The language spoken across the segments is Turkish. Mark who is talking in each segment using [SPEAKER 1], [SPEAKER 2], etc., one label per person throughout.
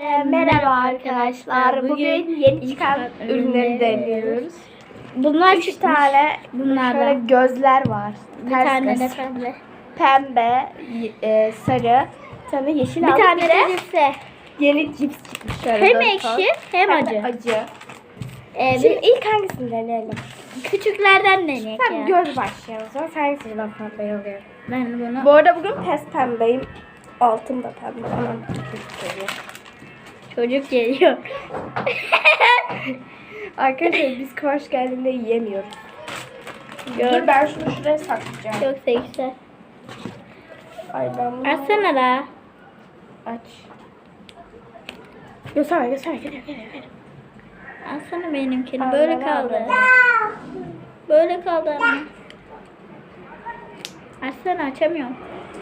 [SPEAKER 1] Merhaba arkadaşlar. Bugün yeni çıkan ürünleri deniyoruz.
[SPEAKER 2] Bunlar
[SPEAKER 1] 3 tane şöyle gözler var.
[SPEAKER 2] Bir
[SPEAKER 1] Ters
[SPEAKER 2] tane
[SPEAKER 1] göz.
[SPEAKER 2] de pembe.
[SPEAKER 1] Pembe, sarı, bir tane yeşil
[SPEAKER 2] Bir
[SPEAKER 1] aldık.
[SPEAKER 2] tane de lise.
[SPEAKER 1] yeni cips çıkmış. Şöyle
[SPEAKER 2] Hem
[SPEAKER 1] dört
[SPEAKER 2] ekşi
[SPEAKER 1] ton.
[SPEAKER 2] hem
[SPEAKER 1] de
[SPEAKER 2] acı.
[SPEAKER 1] acı.
[SPEAKER 2] Bir
[SPEAKER 1] Şimdi ilk hangisini deneyelim?
[SPEAKER 2] küçüklerden deneyek
[SPEAKER 1] Sen
[SPEAKER 2] ya.
[SPEAKER 1] göz başlayalım. Sonra sen hangisinden pembe oluyor?
[SPEAKER 2] Ben bunu.
[SPEAKER 1] Bu arada bugün pes pembeyim. Altım da pembe. Aman
[SPEAKER 2] Çocuk geliyor.
[SPEAKER 1] Arkadaşlar biz Kıvanç geldiğinde yiyemiyoruz. Dur ben şunu şuraya saklayacağım.
[SPEAKER 2] Çok da güzel.
[SPEAKER 1] Ay ben bunu...
[SPEAKER 2] Açsana da.
[SPEAKER 1] Aç. Göster. Geliyor.
[SPEAKER 2] Açsana benimkini.
[SPEAKER 1] Allah
[SPEAKER 2] Böyle
[SPEAKER 1] Allah.
[SPEAKER 2] kaldı. Böyle kaldı anne. Açsana, açamıyorum.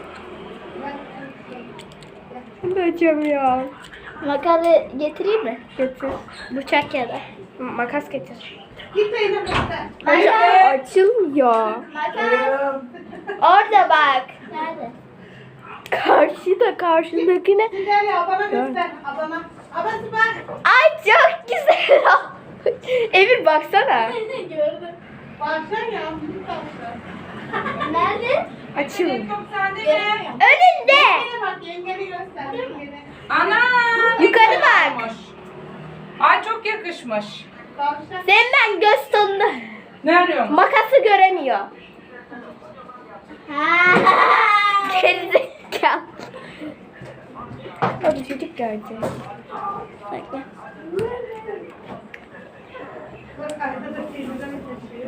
[SPEAKER 1] Bunu da açamıyorum.
[SPEAKER 2] Makalı getireyim mi?
[SPEAKER 1] Getir.
[SPEAKER 2] Bıçak ya da.
[SPEAKER 1] Makas getir.
[SPEAKER 2] Makas.
[SPEAKER 1] Açılmıyor.
[SPEAKER 2] Orada bak. Nerede?
[SPEAKER 1] Karşındakine.
[SPEAKER 3] Gel ya bana göster. Abana. Abası bak.
[SPEAKER 1] Ay çok güzel olmuş. Emir baksana.
[SPEAKER 3] Gördüm. Baksana ya. Büyük tavşan.
[SPEAKER 2] Nerede?
[SPEAKER 1] Açılmıyor.
[SPEAKER 3] Yok sende mi?
[SPEAKER 2] Önünde.
[SPEAKER 3] Yengene bak. Yengeni göster. Yengeni.
[SPEAKER 4] Ana!
[SPEAKER 1] Yukarı bak.
[SPEAKER 4] Ay çok yakışmış.
[SPEAKER 3] Tavşan.
[SPEAKER 1] Senden göz tonunu.
[SPEAKER 4] Ne arıyorsun?
[SPEAKER 1] Makası göremiyor.
[SPEAKER 2] Ha.
[SPEAKER 1] Gerizekalı. Hadi çocuk görecek.
[SPEAKER 2] Bekle.
[SPEAKER 3] Bak arkada teyzeden taşıyor.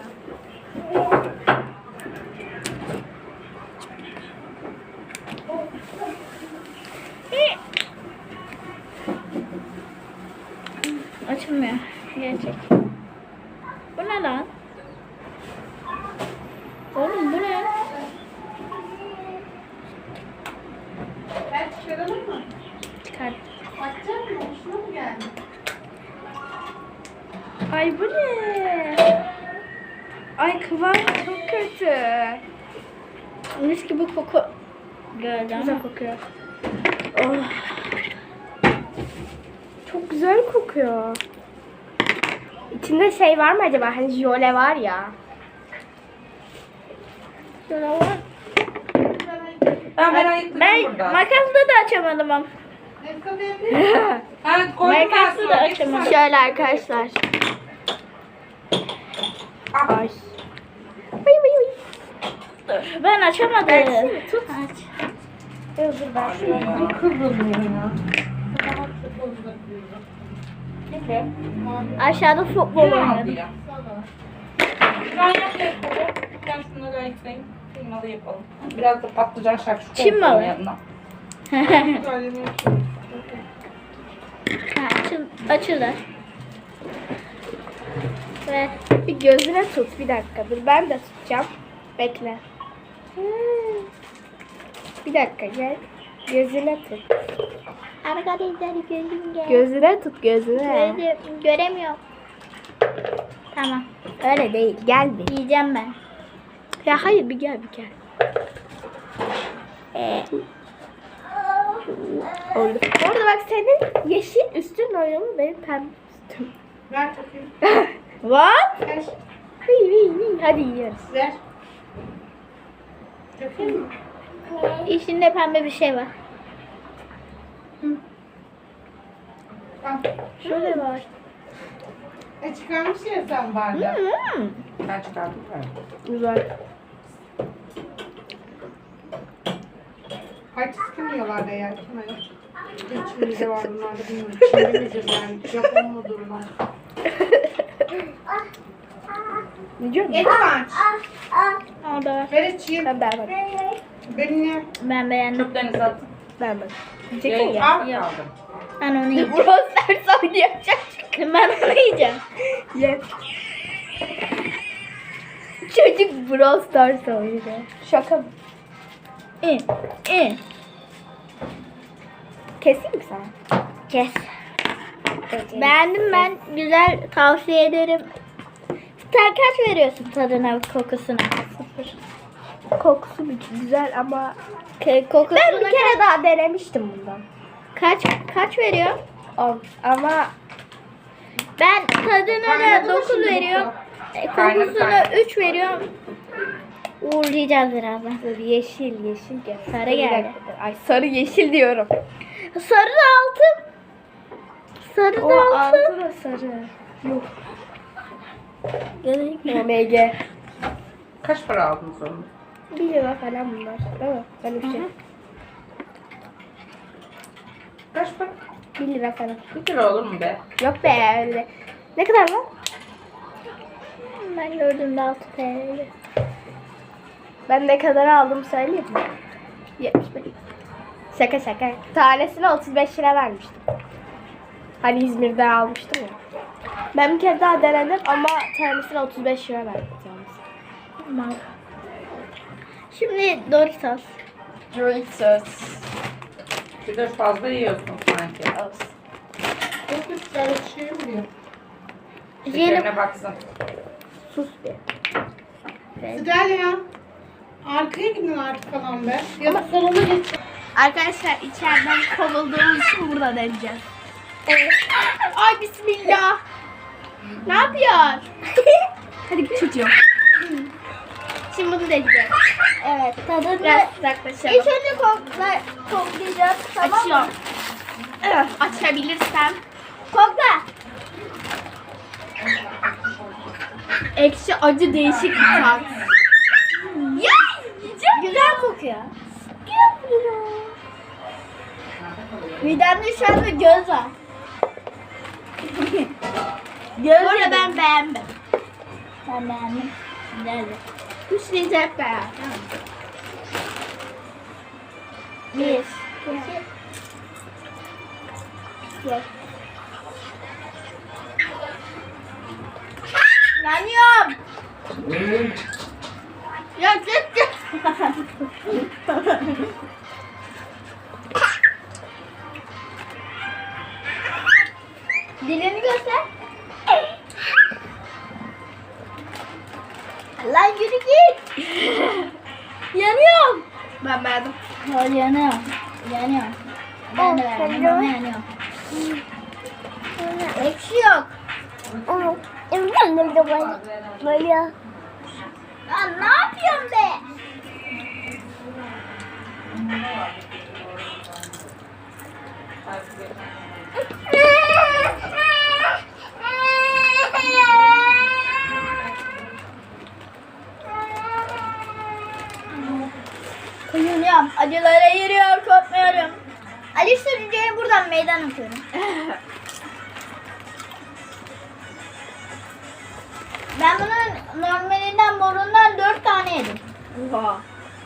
[SPEAKER 2] Açılmıyor. Gerçek. Bu ne lan? Oğlum bu ne?
[SPEAKER 3] Ben çıkaralım mı?
[SPEAKER 2] Çıkart.
[SPEAKER 3] Açacak mı? Hoşuna mı geldi?
[SPEAKER 1] Ay bu ne? Ay kıvam çok kötü.
[SPEAKER 2] Mis gibi koku geldi
[SPEAKER 1] Güzel
[SPEAKER 2] ama.
[SPEAKER 1] kokuyor. Oh. Çok güzel kokuyor. İçinde şey var mı acaba? Hani jöle var ya.
[SPEAKER 2] Şöyle var.
[SPEAKER 4] Ben ayıkladım
[SPEAKER 2] Ben
[SPEAKER 4] burada.
[SPEAKER 2] makasla da açamadım ama.
[SPEAKER 3] Nescafe yapayım mı?
[SPEAKER 4] Ha, koydum ben
[SPEAKER 2] Makasla da
[SPEAKER 4] sonra.
[SPEAKER 2] açamadım.
[SPEAKER 1] Şöyle arkadaşlar. Ay.
[SPEAKER 2] Dur, ben açamadım.
[SPEAKER 1] Açsana, tut.
[SPEAKER 2] Aç.
[SPEAKER 1] Dur ben şunu.
[SPEAKER 2] Aşağıda futbol oynadım.
[SPEAKER 4] Ben yapayım. Ben şunları ayıklayayım. Kıymalı yapalım. Biraz da patlıcan şakşuka
[SPEAKER 2] Çin
[SPEAKER 4] yapalım
[SPEAKER 2] malı.
[SPEAKER 4] yanına.
[SPEAKER 2] Ha, açıldı. Ve
[SPEAKER 1] Bir gözüne tut bir dakika. Dur ben de tutacağım. Bekle. Bir dakika gel. Gözüne tut.
[SPEAKER 2] arkadaşlar gözüm gel.
[SPEAKER 1] Gözüne tut gözüne.
[SPEAKER 2] Gözüm göremiyorum. Tamam.
[SPEAKER 1] Öyle değil. Gel bir.
[SPEAKER 2] Yiyeceğim ben.
[SPEAKER 1] Ya hayır bir gel bir gel. Oldu. Orada bak senin yeşil üstün oynuyor benim pembe üstüm.
[SPEAKER 3] Ver takayım.
[SPEAKER 1] What?
[SPEAKER 3] Ver.
[SPEAKER 1] Hadi yiyoruz.
[SPEAKER 3] Ver. Takayım mı?
[SPEAKER 2] İçinde pembe bir şey var.
[SPEAKER 3] Al.
[SPEAKER 1] Şöyle var.
[SPEAKER 3] Çıkarmış ya sen bardağı.
[SPEAKER 4] Ben çıkardım.
[SPEAKER 1] Güzel.
[SPEAKER 3] Kaç kim yiyorlar da ya? Kim öyle? İçimizde var bunlar da bilmiyorum. Çin'de miyiz yani? Japon mudur bunlar?
[SPEAKER 1] Ne diyorsun?
[SPEAKER 3] Et aç.
[SPEAKER 2] Orada var.
[SPEAKER 3] Ver içeyim.
[SPEAKER 1] Ben beğenmedim.
[SPEAKER 3] Benimle.
[SPEAKER 2] Ben beğendim.
[SPEAKER 4] Çöplerinizi atın.
[SPEAKER 1] Beğenmedim. Yiyeceksin ya.
[SPEAKER 4] Al
[SPEAKER 2] Yok.
[SPEAKER 4] kaldım.
[SPEAKER 2] Ben onu yiyeceğim.
[SPEAKER 1] Brosters oynayacak.
[SPEAKER 2] Ben onu yiyeceğim.
[SPEAKER 1] Ye. Çocuk Brawl Stars oynuyor. Şaka mı? Keseyim mi sana?
[SPEAKER 2] Kes. Beğendim ben. Güzel, tavsiye ederim. Sen kaç veriyorsun tadına, kokusuna? 0.
[SPEAKER 1] Kokusu güzel ama
[SPEAKER 2] Kokusuna
[SPEAKER 1] ben bir kere daha denemiştim bundan.
[SPEAKER 2] Kaç veriyor?
[SPEAKER 1] 10. Ama
[SPEAKER 2] Ben tadına da
[SPEAKER 3] Kaynadı mı
[SPEAKER 2] 9
[SPEAKER 3] şimdi
[SPEAKER 2] veriyorum.
[SPEAKER 4] Kaynadı,
[SPEAKER 2] Kokusuna
[SPEAKER 4] kaynadı.
[SPEAKER 2] 3 veriyorum. Uğurlayacağız birazdan.
[SPEAKER 1] dur, yeşil gel.
[SPEAKER 2] Sarı
[SPEAKER 1] Bir
[SPEAKER 2] geldi.
[SPEAKER 1] dakika. Ay sarı yeşil diyorum.
[SPEAKER 2] Sarı da altın. Sarı
[SPEAKER 1] O
[SPEAKER 2] da altın.
[SPEAKER 1] altı da sarı. Yok. OMG.
[SPEAKER 4] Kaç para aldınız onu?
[SPEAKER 1] 1 lira falan bunlar. Değil mi? Ben bir şey.
[SPEAKER 4] Kaç para?
[SPEAKER 1] 1 lira falan.
[SPEAKER 4] 1 lira olur mu be?
[SPEAKER 1] Yok be öyle. Ne kadar lan?
[SPEAKER 2] Ben gördüğümde 6 TL.
[SPEAKER 1] Ben ne kadar aldım söyleyeyim mi? 75. Şaka. Tanesine 35 lira vermiştim. Hani İzmir'de almıştım ya. Ben bir kere daha denedim ama tanesine 35 lira verdim.
[SPEAKER 2] Tamam. Şimdi Doritos.
[SPEAKER 1] Doritos.
[SPEAKER 4] Bir de fazla yiyorsun sanki.
[SPEAKER 3] Çok güzel şey vuruyor.
[SPEAKER 4] Şekerine baksın.
[SPEAKER 1] Sus be.
[SPEAKER 3] Güzel ya. Arkaya gidin artık falan be. Ya da salona geç.
[SPEAKER 1] Arkadaşlar içeriden kovulduğumuz için burada deneyeceğiz. Ay bismillah. Ne yapıyor? Hadi git çocuğum. Şimdi bunu deneyeceğiz.
[SPEAKER 2] Evet tadını
[SPEAKER 1] Biraz uzaklaşalım.
[SPEAKER 2] ilk önce koklayacağız. Tamam mı?
[SPEAKER 1] Açıyorum. Açabilirsem.
[SPEAKER 2] Kokla.
[SPEAKER 1] Ekşi acı değişik bir tat. Ya yiyeceğim.
[SPEAKER 2] Güzel kokuyor. Midemde şu anda göz var.
[SPEAKER 1] Bu arada ben beğendim.
[SPEAKER 2] Ben beğendim. Güzeldi.
[SPEAKER 1] Üçleyince hep beraber.
[SPEAKER 2] Bir. İki. Gel. Yanıyorum.
[SPEAKER 1] Ya git.
[SPEAKER 2] Dilini göster. Lan yürü git. Yanıyorum.
[SPEAKER 1] Ben beğendim.
[SPEAKER 2] Hayır yanıyorum. Yanıyorum. Ben de beğendim ama yanıyorum. Ekşi yok. Lan ne yapıyorsun be? Kıyılıyorum. Acılara yürüyor, korkmuyorum. Ali Sürücü'ye buradan meydan okuyorum. Ben bunun normalinden morundan 4 tane yedim.
[SPEAKER 1] Oha.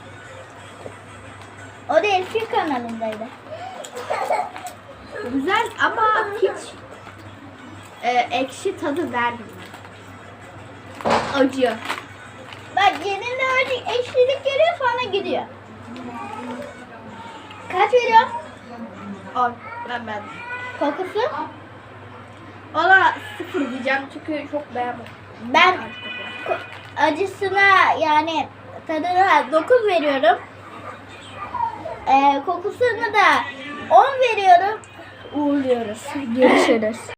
[SPEAKER 2] O da Elfin kanalındaydı.
[SPEAKER 1] Güzel ama hiç ekşi tadı vermiyor. Acı.
[SPEAKER 2] Bak yerinde öyle ekşilik geliyor sonra gidiyor. Kaç veriyor?
[SPEAKER 1] 10. Ben beğendim.
[SPEAKER 2] Kokusu?
[SPEAKER 1] Ona 0 diyeceğim çünkü çok beğenmedim.
[SPEAKER 2] Ben acısına yani tadına 9 veriyorum. Kokusunu da 10 veriyorum. Uğurluyoruz.
[SPEAKER 1] Görüşürüz.